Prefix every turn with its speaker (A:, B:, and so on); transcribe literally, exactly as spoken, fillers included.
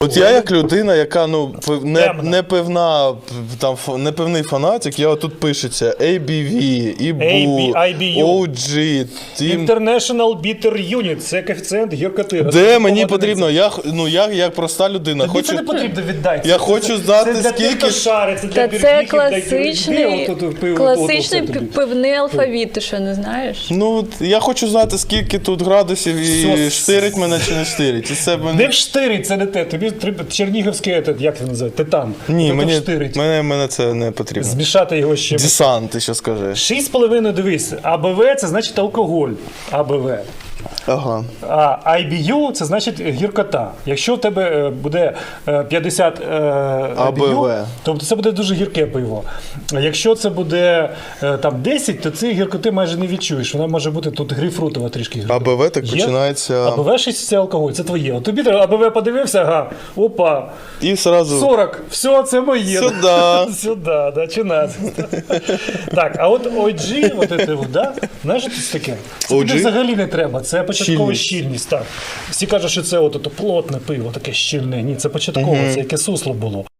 A: От я як людина, яка ну не, не певна, там не певний фанатик, я тут пишеться ей бі ві, і бу,
B: ай бі ю.
A: о джі, Team...
B: International Bitter Unit, це коефіцієнт гіркоти.
A: Де мені потрібно? Я, ну, я як проста людина.
B: Тобі
A: хочу...
B: це не потрібно віддати.
A: Я хочу знати,
B: це для
A: скільки...
B: тих, хто шарить, це для
C: Та це
B: біргіхів,
C: класичний,
B: для отут пиво,
C: класичний
B: отут, отут, отут.
C: пивний алфавіт, ти що, не знаєш?
A: Ну, от я хочу знати, скільки тут градусів і
B: Все.
A: штирить мене чи не штирить. І це мене...
B: Не вштирить, це не те. Тобі треба чернігівський, этот, як це називається, титан.
A: Ні,
B: Ото
A: мені,
B: вштирить.
A: мене, мене це не потрібно.
B: Змішати його ще.
A: Десант, ти що скажеш?
B: шість з половиною, дивись. а бе ве це значить алкоголь. а бе ве.
A: Ага.
B: А ай бі ю це значить гіркота. Якщо в тебе е, буде е, п'ятдесят е, ай бі ю,
A: а бе ве.
B: тобто це буде дуже гірке пиво. А якщо це буде е, там десять, то цієї гіркоти майже не відчуєш. Вона може бути тут грейпфрутова трішки гіркота.
A: а бе ве так
B: Є?
A: починається...
B: а бе ве шість це алкоголь, це твоє. От тобі треба, а бе ве подивився, ага, опа,
A: І сразу...
B: сорок, все, це моє.
A: Сюда.
B: Сюда, да, чинадцять. Так, а от о джі, от це, от, да? Знаєш, що це таке? Це тобі
A: о джі?
B: взагалі не треба, це початкова
A: Щільність.
B: щільність. Так. Всі кажуть, що це от, от, плотне пиво, таке щільне. Ні, це початкове, це яке сусло було.